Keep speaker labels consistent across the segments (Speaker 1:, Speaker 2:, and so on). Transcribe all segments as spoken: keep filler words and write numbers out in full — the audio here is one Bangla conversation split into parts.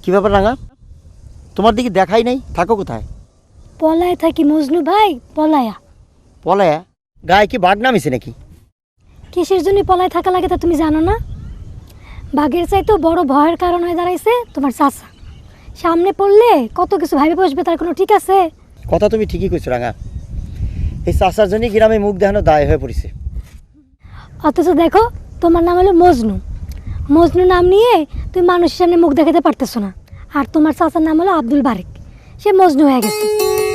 Speaker 1: কি ব্যাপার রাঙা, তোমার দিকে দেখাই নাই, থাকো কোথায়?
Speaker 2: পলায় থাকি মজনু ভাই, পলায়া।
Speaker 1: পলায়া? গায়ে কি বাঘ নামিছে নাকি?
Speaker 2: কিসের জন্য পলায় থাকা লাগে তা তুমি জানো না? বাঘের চাইতেও বড় ভয়ের কারণ হয়ে দাঁড়াইছে তোমার চাচা। সামনে পড়লে কত কিছু ভাবে বসবে, তার কোনো ঠিক আছে?
Speaker 1: কথা তুমি ঠিকই কইছো রাঙা, এই চাচার জন্যই গ্রামে মুখ দেখানো দায় হয়ে পড়েছে।
Speaker 2: অথচ দেখো, তোমার নাম হলো মজনু। মজনু নাম নিয়ে তুমি মানুষের সামনে মুখ দেখাতে পারতেছো না। আর তোমার চাচার নাম হলো আব্দুল বারেক, সে মজনু হয়ে গেছে।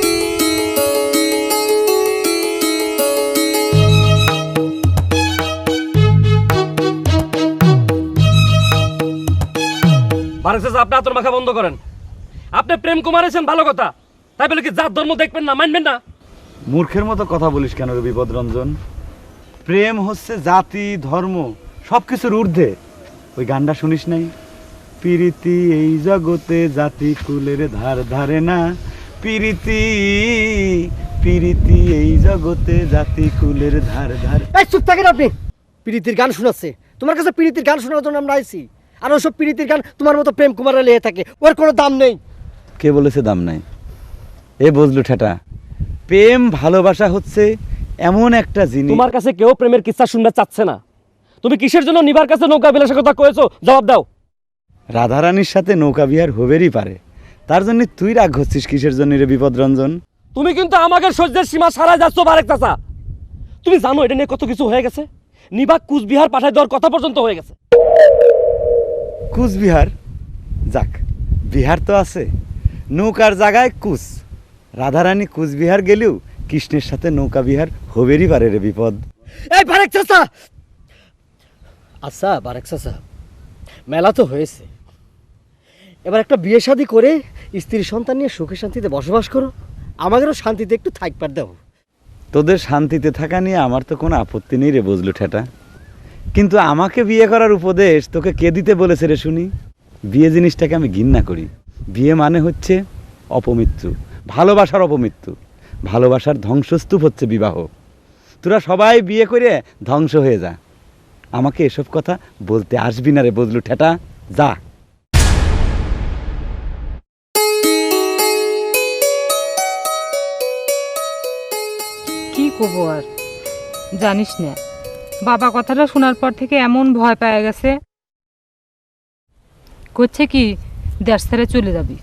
Speaker 3: বারেক চাচা, আপনি আতর মাখা বন্ধ করেন। আপনি প্রেম কুমারেছেন ভালো কথা, তাই বলে কি জাত ধর্ম দেখবেন না, মানবেন না?
Speaker 4: মূর্খের মতো কথা বলিস কেন রে বিপদরঞ্জন? প্রেম হচ্ছে জাতি ধর্ম সব কিছুর ঊর্ধ্বে। ওই গানটা শুনিস নাই? প্রীতি এই জগতে জাতি কুলের ধার ধারে না, প্রীতি প্রীতি এই জগতে জাতি কুলের ধার ধারে।
Speaker 1: এই চুপ থাকেন আপনি, প্রীতির গান শোনাচ্ছে। তোমার কাছে প্রীতির গান শোনার জন্য আমরা আইছি, আর ওসব প্রীতির গান তোমার মতো প্রেম কুমারে লেগে থাকে, ওর কোনো দাম নেই।
Speaker 4: কে বলেছে দাম নাই? এ বুঝলু ঠেটা, প্রেম ভালোবাসা হচ্ছে এমন একটা জিনিস।
Speaker 3: তোমার কাছে কেউ প্রেমের কিস্সা শুনতে চাচ্ছে না। তুমি কিসের জন্য নিবার কাছে নৌকা বিলাসের কথা কয়েছো, জবাব দাও।
Speaker 4: রাধারানীর সাথে নৌকা বিহার হবেরই পারে, তার জন্য তুই রাগ হচ্ছিস কিসের জন্য রে বিপদরঞ্জন?
Speaker 3: তুমি কিন্তু আমাকে সহ্যের সীমা সারাই যাচ্ছ বারেক চাচা। তুমি জানো এটা নিয়ে কত কিছু হয়ে গেছে? নিবাক কুচবিহার পাঠায় দেওয়ার কথা পর্যন্ত হয়ে গেছে।
Speaker 4: কুচবিহার? যাক, বিহার তো আছে, নৌকার জায়গায় কুচ। রাধারানী কুচবিহার গেলেও কৃষ্ণের সাথে নৌকা বিহার হবেরই পারে রে বিপদ।
Speaker 1: এই বারেক চাচা, আচ্ছা বারেক চাচা, মেলা তো হয়েছে, এবার একটা বিয়ে শাদী করে স্ত্রী সন্তান নিয়ে সুখে শান্তিতে বসবাস করো, আমাদেরও শান্তিতে একটু থাকবার দাও।
Speaker 4: তোদের শান্তিতে থাকা নিয়ে আমার তো কোনো আপত্তি নেই রে বুঝলু ঠেটা, কিন্তু আমাকে বিয়ে করার উপদেশ তোকে কে দিতে বলেছে রে শুনি? বিয়ে জিনিসটাকে আমি ঘৃণা করি। বিয়ে মানে হচ্ছে অপমৃত্যু, ভালোবাসার অপমৃত্যু। ভালোবাসার ধ্বংসস্তূপ হচ্ছে বিবাহ। তোরা সবাই বিয়ে করে ধ্বংস হয়ে যা, আমাকে এসব কথা বলতে আসবি না রে বুঝলু ঠেটা, যা।
Speaker 5: কি করবো আর, জানিস না, বাবা কথাটা শোনার পর থেকে এমন ভয় পেয়ে গেছে, করছে কি দেশ ছেড়ে চলে যাবি।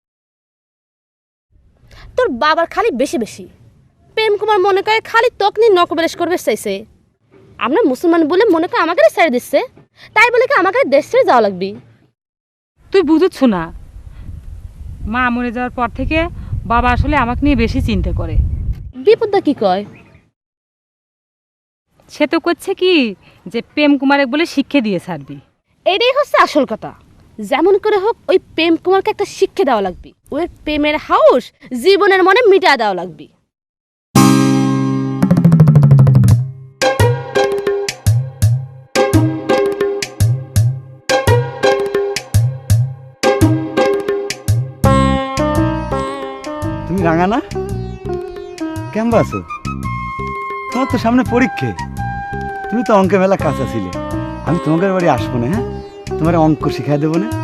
Speaker 6: তোর বাবার খালি বেশি বেশি প্রেম কুমার মনে করে খালি তোক নিয়ে নকবেলেশ করবে চাইছে। আমরা মুসলমান বলে মনে করে আমাকে ছেড়ে দিচ্ছে, তাই বলে কি আমাকে দেশ ছেড়ে যাওয়া লাগবি?
Speaker 5: তুই বুঝছ না, মা মরে যাওয়ার পর থেকে বাবা আসলে আমাকে নিয়ে বেশি চিন্তা করে।
Speaker 6: বিপদটা কি কয়?
Speaker 5: সে তো করছে কি যে প্রেম কুমারে বলে শিক্ষা দিয়ে ছাড়বি।
Speaker 6: এটাই হচ্ছে আসল কথা। যেমন করে হোক ওই প্রেম কুমারকে একটা শিক্ষা দেওয়া লাগবে, ওই প্রেমের হাউস জীবনের মনে মিটা দেওয়া লাগবে।
Speaker 4: তুমি রাঙা না? কেমন আছো? তোমার তো সামনে পরীক্ষা, তুমি তো অঙ্কে মেলা কাঁচা ছিলে। আমি তোমাদের বাড়ি আসবো না, হ্যাঁ, তোমার অঙ্ক শিখাই দেবো না।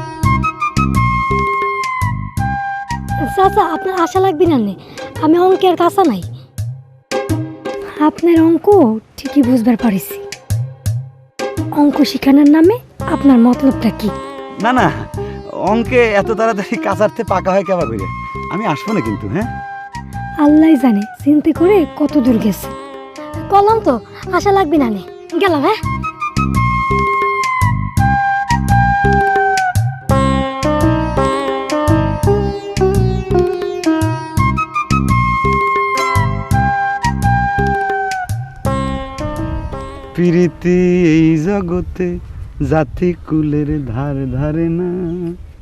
Speaker 2: চাচা, আপনার আশা লাগবে না, আমি অঙ্কের কাঁচা নাই। আপনার অঙ্ক ঠিকই বুঝবার পারিছি। অঙ্ক শিখানোর নামে আপনার মতলবটা কি?
Speaker 4: না না, অঙ্কে এত তাড়াতাড়ি কাঁচারতে পাকা হয় কেবা করে। আমি আসবো না কিন্তু, হ্যাঁ।
Speaker 2: আল্লাহ জানে চিন্তা করে কত দূর গেছে। কলম তো আশা লাগবে না, গেলাম। হ্যাঁ,
Speaker 4: প্রীতি এই জগতে জাতি কুলের ধার ধারে না।